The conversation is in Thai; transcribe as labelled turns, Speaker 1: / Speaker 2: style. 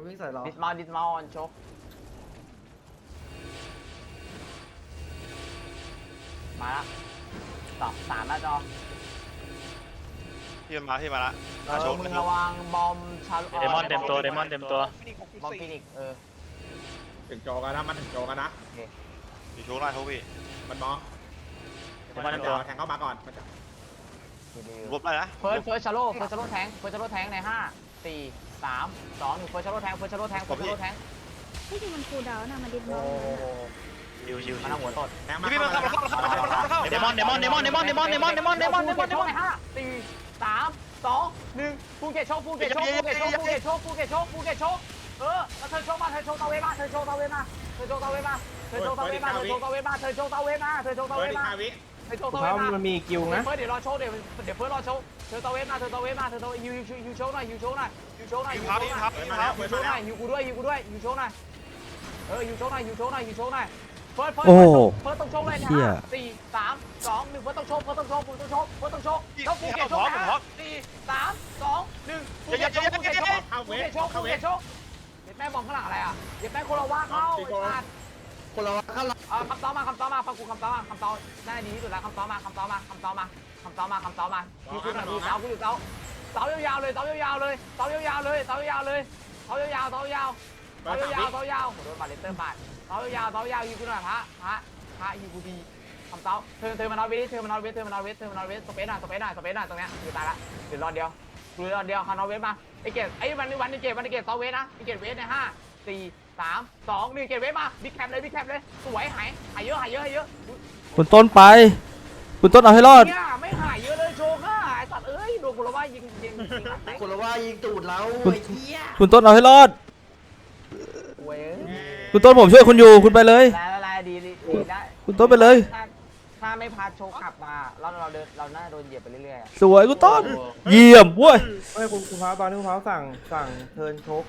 Speaker 1: วิ่งใส่เรา
Speaker 2: ดิสมาออนโชกมาละ3หน้าจอ
Speaker 3: พี่มาละโชค
Speaker 2: มึงระวังบอมชา
Speaker 4: เดมอนเต็มตัวเดมอนเต็มตัว
Speaker 2: บอมฟินิก
Speaker 5: ถึงโจกันนะมันถึงโจกันนะ
Speaker 3: พี่โชคได้โชคพี่
Speaker 5: มันมอง
Speaker 4: เดมอนเต็มตัว
Speaker 5: แทงเข้ามาก่อนมันจะ
Speaker 3: รวบได้นะ
Speaker 2: เฟิร์สชาโลแทงใน5 4 3 2 1เฟิร์สชาโลแทง
Speaker 6: ที่จริงมันคูลดาวน์นะมันดิบม
Speaker 2: โอ้
Speaker 6: อง
Speaker 4: ชิว
Speaker 2: มันเอาหัวตด
Speaker 5: แทงมา
Speaker 3: พี่มันเข้า
Speaker 4: เดมอนใน
Speaker 2: 5 4 3 2 1ภูเก็ตโชคแล้วเธอโชคมาเธอโชคตาเวมา
Speaker 5: เปิดอีก5 วิ
Speaker 1: มันมีกิวนะ
Speaker 2: เฟิร์สเดี๋ยวรอโชว์เดี๋ยวเฟิร์สรอโชว์เธอตาเวมาฮิวโชว์หน่อยฮิวโชว์หน่อยฮิวโชว์หน่อยฮิวกูด้วยฮิวโชว์หน่อยฮิวโชว์หน่อยเฟิร์สต้องโชว์เลยนะ4 3 2 1เฟิร์สต้องโชว์ต้องโชว์ภูเก็ตโชคนะ4 3 2 1ภูเก็ตโชคแม่บอมข้างหลังอะไรอ่ะเดี๋ยวแม่โคลาวาเข้าไอ้สัตว์
Speaker 1: คนเราข้างหลัง
Speaker 2: คำตอบมาฟังกูคำตอบได้ดีที่สุดแล้วคำตอบมาอยู่กูหน่อยดูเสากูอยู่เสายาวเลยโดนบาเลเตอร์บาดเสายาวอยู่กูหน่อยพระอยู่กูดีคำตอบเธอมานอนเวทสเปซหน่อยตรงเนี้ยอยู่ตายละเดี๋ยวรอเดียวคานอเวทมาไอเกตไอ้วันนี้เกตเสาเวทนะไอเกตเวทใน5 4 3 2 1เกตเวทมาบิ๊กแคปเลยสวยหายเยอะ
Speaker 7: คุณต้นไปคุณต้นเอาให้รอด
Speaker 2: เนี่ยไม่หายเยอะเลยโชว์ค่ะไอ้สัตว์เอ้ยโดนกูละว่ายิง
Speaker 1: คนเราว่ายิงตูดเรา
Speaker 7: คุณต้นเอาให้รอด
Speaker 2: เว้ย
Speaker 7: คุณต้นผมช่วยคุณอยู่คุณไปเลย
Speaker 2: ลายดีได้
Speaker 7: คุณต้นไปเลย
Speaker 2: ถ้าไม่พาโชว์ขับมาเราน่าโดนเหยียบไปเรื่อยๆ
Speaker 7: สวยคุณต้นเยี่ยมเว้ย
Speaker 1: เฮ้ยคุณพร้าวตอนนี้คุณพร้าวสั่งเทิร์นโชก